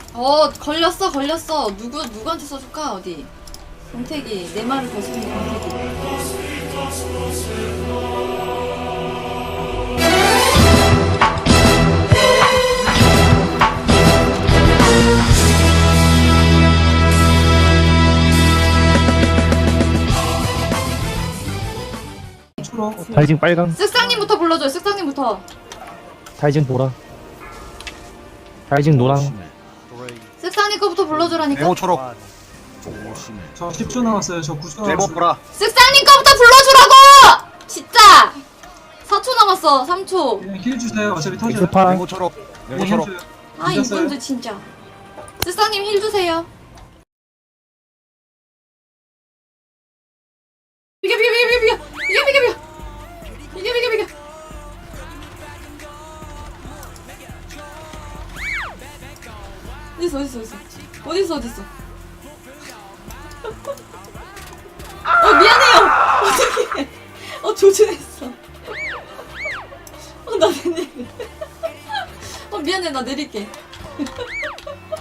걸렸어 걸렸어. 누구한테 써줄까? 어디? 권태기 내 말을 거스르는 권태기. 초록. 다이징 빨강, 쓱상님부터 불러줘요. 쓱상님부터. 다이징 보라, 다이징 노랑. 쓱상님 거부터 불러주라니까. 네모 초록. 저 10초 남았어요. 저 9초 네모 남았어요. 보라. 쓱상님 거부터 불러주라고! 진짜! 4초 남았어. 3초. 그냥 힐 주세요. 어차피 터져요. 엑스파, 네모 초록. 네모 초록. 아 늦었어요. 이분들 진짜. 쓱상님 힐 주세요. 비겨 비겨 비겨 비겨 비겨 비겨 비겨 비겨 비겨 비겨. 어딨어. 미안해요. 어떡해. 조준했어. 나 내릴게. 미안해, 나 내릴게.